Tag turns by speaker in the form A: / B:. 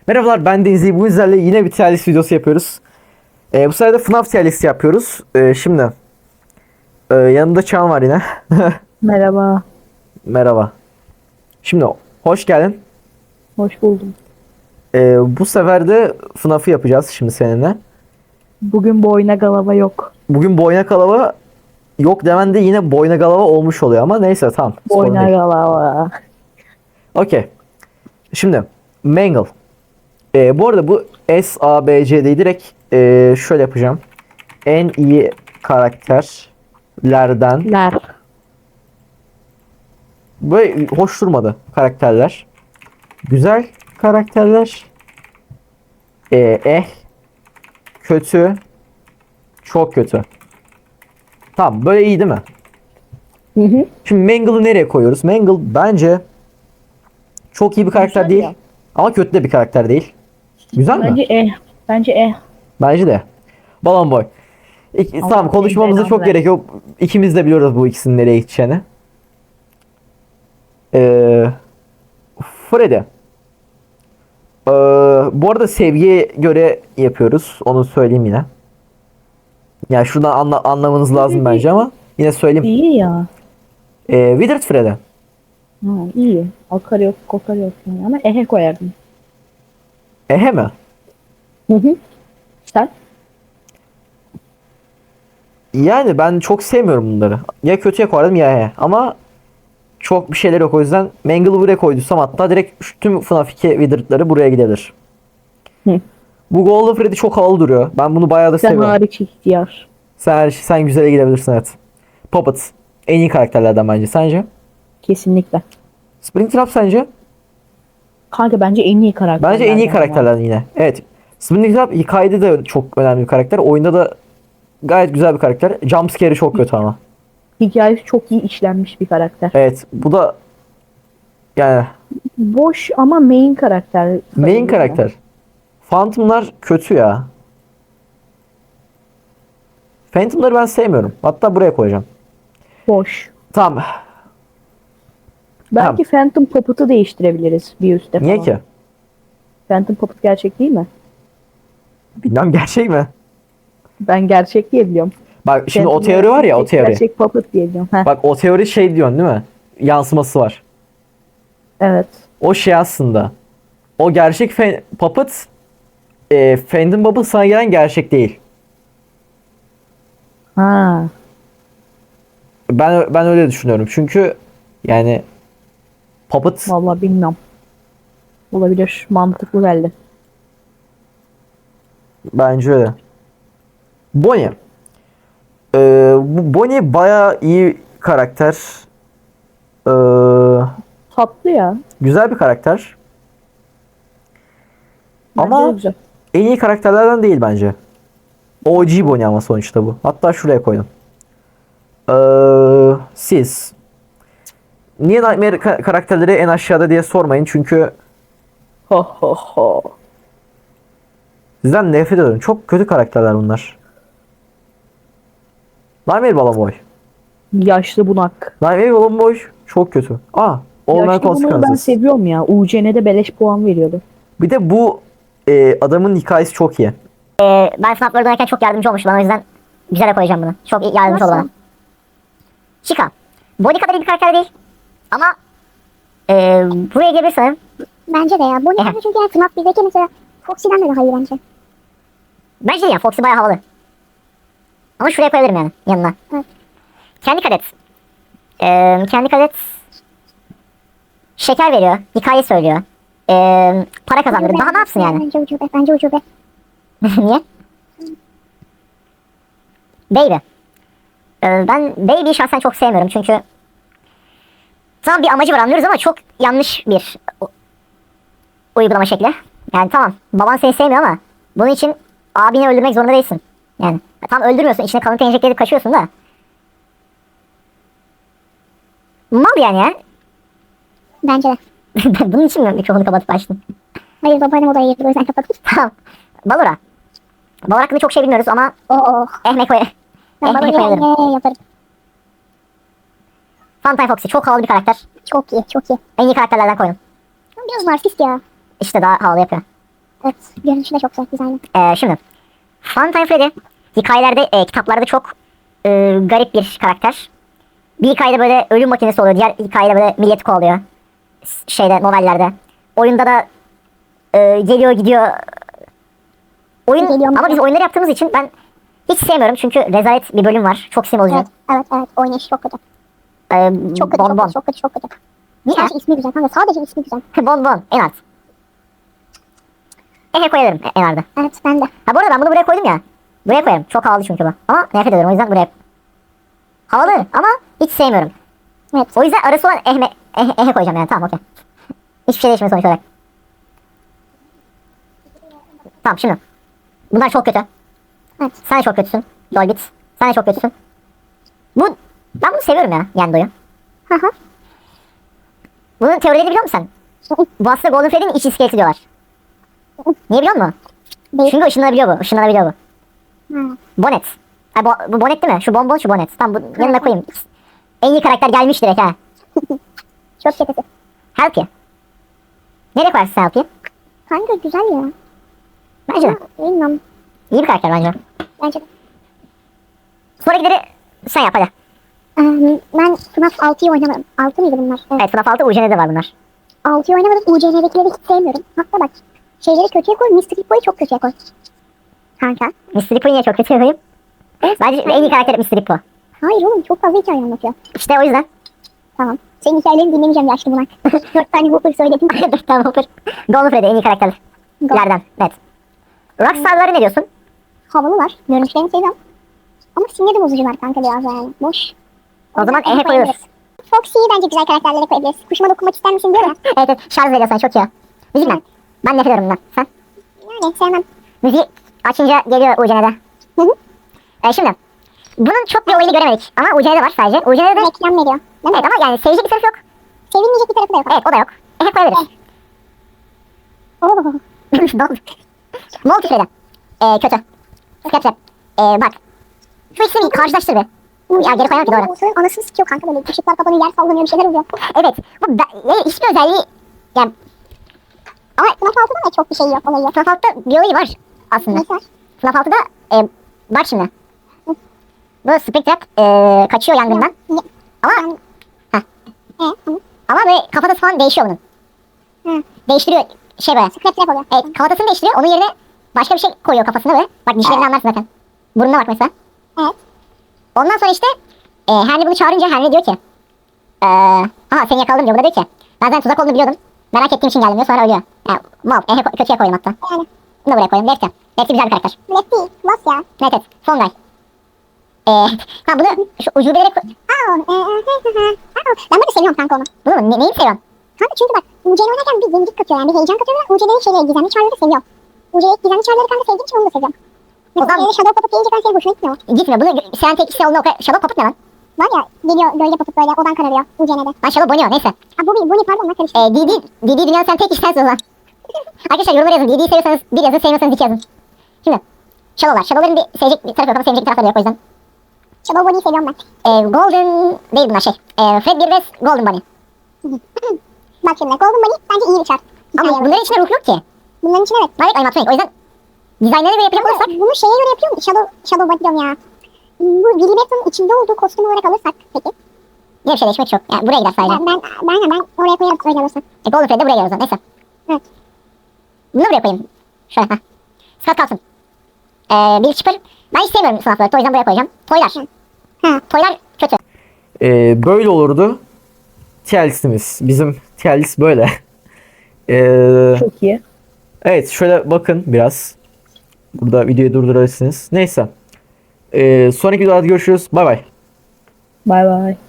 A: Merhabalar, ben Denizli. Bugün sizlerle yine bir tier list videosu yapıyoruz. Bu sefer de FNAF tier list yapıyoruz. Şimdi yanımda Çağan var yine.
B: Merhaba,
A: Merhaba. Şimdi hoş geldin.
B: hoş buldum.
A: Bu sefer de FNAF'ı yapacağız şimdi seninle.
B: Bugün boyuna galava yok.
A: Bugün boyna kalava yok demen de yine boyna galava olmuş oluyor ama neyse tamam. Sorun
B: Boyuna
A: değil.
B: galava.
A: Okey. Şimdi Mangle. Bu arada bu SABC'de direkt şöyle yapacağım. En iyi karakterlerden.
B: Ler.
A: Böyle hoş durmadı karakterler. Güzel karakterler. Kötü. Çok kötü. Tamam, böyle iyi değil mi?
B: Hı hı.
A: Şimdi Mangle'ı nereye koyuyoruz? Mangle bence çok iyi bir karakter
B: Güzel
A: değil.
B: ya.
A: Ama kötü de bir karakter değil. Güzel mi?
B: Bence Bence.
A: Bence de. Balon Boy.
B: Allah
A: Tamam, konuşmamıza
B: belanı
A: çok
B: versin.
A: gerek yok. İkimiz de biliyoruz bu ikisinin nereye gideceğini. Ee, Freddy. Bu arada sevgiye göre yapıyoruz. Onu söyleyeyim yine. Yani şuradan anlamanız lazım bence ama yine söyleyeyim.
B: İyi ya.
A: Withered Freddy.
B: Ha, iyi. Akar yok, kokar yok. Yani. Ama ehe koyardım.
A: Ehe mi?
B: Hı hı. Sen?
A: Yani ben çok sevmiyorum bunları. Ya kötüye koyardım ya ehe. Ama çok bir şeyler yok, o yüzden Mangle'ı buraya koyduysam hatta direkt tüm FNAF 2 Withered'ları buraya gidebilir.
B: Hı.
A: Bu Golden Freddy çok havalı duruyor. Ben bunu bayağı da
B: Sen
A: seviyorum.
B: hariç ihtiyar.
A: Sen güzele gidebilirsin, evet. Puppet. En iyi karakterlerden bence. Sence?
B: Kesinlikle.
A: Springtrap sence?
B: Kanka bence en iyi karakter.
A: Bence en iyi karakterlerden yine. Evet. Springtrap hikayede de çok önemli bir karakter. Oyunda da gayet güzel bir karakter. Jumpscare'i çok kötü ama.
B: Hikayesi çok iyi işlenmiş bir karakter.
A: Evet. Bu da yani
B: Boş ama main karakter.
A: main
B: sayılır ya.
A: karakter. Phantom'lar kötü ya. Phantom'ları ben sevmiyorum. Hatta buraya koyacağım.
B: Boş.
A: Tamam.
B: Belki Phantom Puppet'ı değiştirebiliriz bir üstte
A: Niye
B: falan.
A: ki?
B: Phantom Puppet gerçek değil mi?
A: Bilmem, gerçek mi?
B: Ben gerçek diye biliyorum.
A: Bak şimdi o
B: Phantom
A: teori var ya, o
B: gerçek,
A: teori.
B: Gerçek Puppet diye biliyorum. Heh,
A: Bak o teori şey diyorsun değil mi? Yansıması var.
B: evet.
A: O şey aslında. O gerçek Puppet Phantom Puppet sana gelen gerçek değil.
B: Ha.
A: Ben öyle düşünüyorum. Çünkü yani Puppet
B: Vallahi bilmiyorum. Olabilir. Mantıklı geldi.
A: bence öyle. Bonnie. Bu Bonnie bayağı iyi karakter. Ee,
B: Tatlı ya.
A: Güzel bir karakter.
B: Bence de
A: Ama
B: güzel.
A: en iyi karakterlerden değil bence. OG Bonnie ama sonuçta bu. Hatta şuraya koydum. Siz. Niye Nightmare karakterleri en aşağıda diye sormayın. Çünkü
B: Ho ho ho.
A: sizden nefret ediyorum. Çok kötü karakterler bunlar. Nightmare Balloon Boy.
B: Yaşlı bunak.
A: Nightmare Balloon Boy çok kötü. Olmayan
B: Yaşlı bunağı ben
A: Consequences.
B: seviyorum ya. UCN'de beleş puan veriyordu.
A: Bir de bu adamın hikayesi çok iyi.
C: Ben sınavları dönerken çok yardımcı olmuş bana, o yüzden güzel koyacağım bunu. Çok iyi yardımcı oldu bana. Chica. Bonnie kadar iyi bir karakter değil. Ama buraya gelebilir sanırım.
D: Bence de ya. Bonnie
C: Ehe.
D: çünkü FNAF 1'deki mesela Foxy'den de daha iyi bence.
C: Bence de ya, Foxy bayağı havalı. Ama şuraya koyabilirim yani, yanına.
D: Evet.
C: Kendi kadet. Kendi kadet şeker veriyor. Hikaye söylüyor. Para kazandırıyor. Daha ne yapsın yani?
D: Bence ucube. Bence ucube.
C: Niye? Baby. Ben Baby'yi şahsen çok sevmiyorum çünkü tamam, bir amacı var anlıyoruz ama çok yanlış bir uygulama şekli. Yani tamam, baban seni sevmiyor ama bunun için abini öldürmek zorunda değilsin. Yani tam öldürmüyorsun, içine kanıt enjekte edip kaçıyorsun da. Mal yani ya.
D: Bence de.
C: Bunun için mi mikrofonu kapatıp açtın?
D: Hayır, babaannem odaya girdi, o yüzden kapattım.
C: Tamam. Valora. Valor hakkında çok şey bilmiyoruz ama
D: Oo.
C: ehme koy.
D: Ben
C: Ehme
D: bana
C: koyalım.
D: yaparım.
C: Funtime Foxy çok havalı bir karakter.
D: Çok iyi, çok iyi.
C: En iyi karakterlerden koydum.
D: Ama biraz narsist ya.
C: İşte daha havalı yapıyor.
D: Evet. Görünüşü de çok güzel. Güzel.
C: Şimdi Funtime Freddy hikayelerde, kitaplarda çok garip bir karakter. Bir hikayede böyle ölüm makinesi oluyor. Diğer hikayede böyle millet kovalıyor. Şeyde, novellerde. Oyunda da geliyor gidiyor.
D: Geliyor mu?
C: Ama biz oyunları yaptığımız için ben hiç sevmiyorum. Çünkü rezalet bir bölüm var. Çok sinir bozucu.
D: Evet. Evet. Evet. Oynayışı çok kötü. Çok kötü.
C: Bon
D: Çok
C: bon.
D: kötü. Çok kötü. Çok kötü.
C: Niye?
D: Sadece ismi güzel kanka. Sadece ismi güzel.
C: Bon bon. En alt. Koyarım en arda.
D: Evet ben de.
C: Ha bu arada ben bunu buraya koydum ya. Buraya koyarım. Çok havalı çünkü bu. Ama nefret ediyorum. O yüzden buraya. Havalı ama hiç sevmiyorum.
D: Evet.
C: O yüzden arası olan ehe koyacağım yani. Tamam okey. Hiçbir şey değişmiyor sonuç olarak. Tamam şimdi. Bunlar çok kötü.
D: Evet.
C: Sen de çok kötüsün. Dolbit. Sen de çok kötüsün. Ben bunu seviyorum ya. Yendo'yu.
D: Hı hı.
C: Bunun teorileri biliyor musun sen? Bu aslında Golden Freddy'nin iç iskeleti diyorlar. Niye biliyor musun?
D: Değil.
C: Çünkü ışınlanabiliyor bu. Işınlanabiliyor bu.
D: Ha.
C: Bonnet. Ha, bu Bonnet değil mi? Şu bonbon şu Bonnet. Tamam bu yanına koyayım. En iyi karakter gelmiş direkt ha.
D: Çok kötü.
C: Help'i. Nereye koyarsın sen Help'i?
D: Kanka güzel ya.
C: Bence de.
D: Bilmem.
C: İyi bir karakter bence.
D: Bence de.
C: Sonrakileri sen yap hadi.
D: Ben FNAF 6'yı oynamadım. 6 mıydı bunlar? Evet.
C: Evet FNAF 6 UCN'de var bunlar.
D: 6'yı oynamadım. UCN'dekileri hiç sevmiyorum. Hatta bak. Şeyleri kötüye koy. Mystery Boy'u çok kötüye koy. Kanka.
C: Mr. Po'yu niye çok kötü koyayım? Bence en iyi karakter Mr. Po.
D: Hayır oğlum çok fazla hikaye anlatıyor.
C: İşte o yüzden.
D: Tamam. Senin hikayelerini dinlemeyeceğim yaşlı bunak. 4 tane Whopper söyledim.
C: Tamam Hopper. Golden Freddy en iyi karakterlerden. Evet. Rockstar'ları ne diyorsun?
D: Havalılar. Görünüşlerini seviyorum. Ama sinir de bozucular kanka biraz yani. Boş.
C: O zaman
D: yüzden
C: ehe koyuyoruz.
D: Foxy'yi bence güzel karakterlere koyabiliriz. Kuşuma dokunmak ister misin diyor ya.
C: Evet evet şarj veriyor sana çok iyi. Müzikten. Ben nefret ediyorum bundan. Sen?
D: Yani sevmem.
C: Müziği açınca geliyor UCN'de.
D: Hı hı.
C: Şimdi. Bunun çok bir oyunu göremedik. Ama UCN'de var sadece. UCN'de de...
D: Reklam veriyor. Değil mi?
C: Evet ama yani sevecek bir tarafı yok.
D: Sevilmeyecek bir tarafı da yok.
C: Evet o da yok. Koyabiliriz.
D: Oo.
C: Multi Freddy. Kötü. Skepse. Bak. Şu ikisini bir karşılaştır be. Ya geri koyalım ki doğru.
D: Oğuzhan'ın anasını sikiyor kanka böyle. Işıklar kapanıyor, yer sallanıyor, bir şeyler oluyor.
C: Evet. Hiçbir özelliği... Yani... Ama
D: FNAF 6'da da çok bir şey yok olayı.
C: FNAF 6'da bir olayı var aslında.
D: Mesela.
C: FNAF 6'da bak şimdi. Bu Springtrap kaçıyor yangından.
D: Ya.
C: Ama
D: Ben... Tamam.
C: ama böyle kafatası falan değişiyor bunun.
D: Hı.
C: Değiştiriyor şey böyle.
D: Scrap trap oluyor.
C: Evet kafatasını değiştiriyor. Onun yerine başka bir şey koyuyor kafasına böyle. Bak dişlerini anlarsın zaten. Burnuna bak mesela.
D: Evet.
C: Ondan sonra işte Henry bunu çağırınca Henry diyor ki aha seni yakaladım diyor. Burada diyor ki ben zaten tuzak olduğunu biliyordum. Merak ettiğim için geldim diyor. Sonra ölüyor. Yani mal. Kötüye koyayım hatta.
D: Yani.
C: Bunu da buraya koyayım. Lefty. Lefty güzel bir karakter.
D: Black değil. Lost ya.
C: Evet evet. Son guy. Ha bunu şu ucubeleri koy...
D: Ben böyle seviyorum kanka onu.
C: Bunu mu? Neyi seviyorsun?
D: Kanka çünkü bak UC'yi oynarken bir yenilik katıyor yani bir heyecan katıyor ve UC'lerin şeyleri gizemli çarları seviyorum. UC'yi gizemli çarları kanka sevdiğim için onu da seviyorum.
C: O zaman-
D: Mesela Shadow Puppet gelince ben senin hoşuna gitmiyor.
C: Gitmiyor. Bunu sen tek kişi olduğunda o kadar... Shadow Puppet ne lan?
D: Var ya geliyor gölge Puppet böyle odan kararıyor UC'de.
C: Lan Shadow Bonnie o neyse.
D: Ha Bonnie pardon lan karıştı.
C: DD dünyanın sen tek kişi sensin o zaman. Arkadaşlar yorumlara yazın. DD'yi seviyorsanız bir yazın, sevmiyorsanız iki yazın. Şimdi Shadow'lar. Shadow'ların bir sevecek bir tarafı yok ama sevmeyecek bir tarafları yok o yüzden.
D: Shadow Bonnie'yi seviyorum ben.
C: Golden değil bunlar şey. Fred 1 ve Golden Bunny.
D: Bak şimdi Golden Bunny bence iyi bir çar.
C: Ama bunların içinde ruh yok ki.
D: Bunların için evet.
C: Direkt animatronik. O yüzden dizaynlarına göre yapacak olursak
D: Bunu şeye göre yapıyor mu? Shadow Bunny diyorum ya. Bu Willy Batman'ın içinde olduğu kostüm olarak alırsak peki.
C: yine bir şey değişmek yok. Yani buraya gider sadece.
D: Ben oraya koyarım öyle alırsak.
C: Golden Fred'de buraya gider o zaman. Neyse.
D: Evet.
C: Bunu buraya koyayım. Şöyle. Heh. Scott kalsın. Bir Chipper. Ben hiç sevmiyorum sınavları. O yüzden buraya koyacağım. Toylar.
D: Ha.
C: Toylar kötü.
A: Böyle olurdu. Chelsea'miz. Bizim Chelsea böyle.
B: Çok iyi.
A: Evet şöyle bakın biraz. Burada videoyu durdurabilirsiniz. Neyse. Sonraki videoda görüşürüz. Bay bay.
B: Bay bay.